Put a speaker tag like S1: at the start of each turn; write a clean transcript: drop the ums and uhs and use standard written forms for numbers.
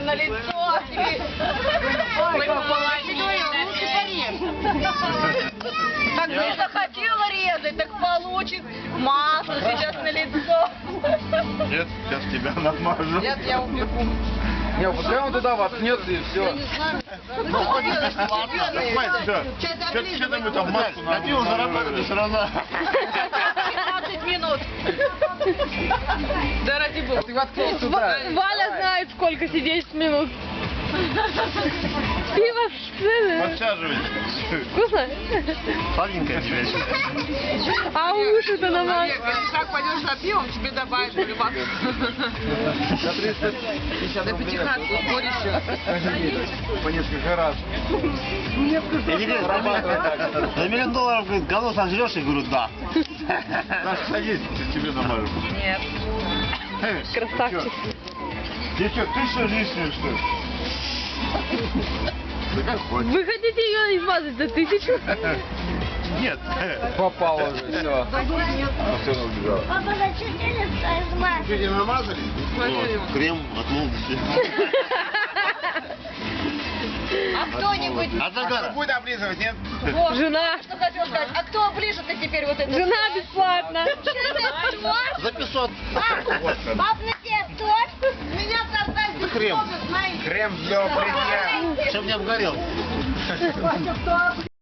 S1: на лицо. Так не захотела резать, так получит масло сейчас на лицо.
S2: Нет, сейчас тебя намажу.
S1: Нет, я упеку.
S3: Не, пускай он туда воткнется и все.
S2: Ну, что там мы там маску на пиво заработали сразу.
S1: 15 минут. Да ради бога.
S3: А ты воткнись туда.
S4: Валя знает, сколько сидеть минут. Пиво
S2: Подсаживайся.
S4: вкусно?
S2: Сладенькая тебе.
S4: А уши-то намаз.
S1: Как пойдешь за пивом, тебе добавят рыбак.
S3: За 350
S1: На
S3: рублей.
S1: пятихатку сборище.
S3: По несколько раз.
S2: Я говорю, за $1 миллион, говорит, говно сожрешь? Я говорю, да. Саша, садись, тебе намажу.
S1: Нет.
S4: Красавчик.
S2: Девчонок, ты что, лишнее, что ли? Да как хочешь.
S4: Вы хотите ее измазать за 1000?
S2: Нет.
S3: Попал уже, все. Все, она убежала.
S5: Папа, зачем ты не
S2: Что, не намазали?
S1: Вот,
S2: крем от молодости.
S1: А кто-нибудь...
S2: От загара. Будет облизывать, нет?
S1: Вот,
S4: Жена.
S1: что хотел сказать. А кто оближет-то теперь вот это?
S4: Жена бесплатно.
S2: За 500.
S5: Пап, на тебе торт?
S1: Меня создать
S2: Это крем.
S3: Крем для бритья.
S2: Чтоб не обгорел.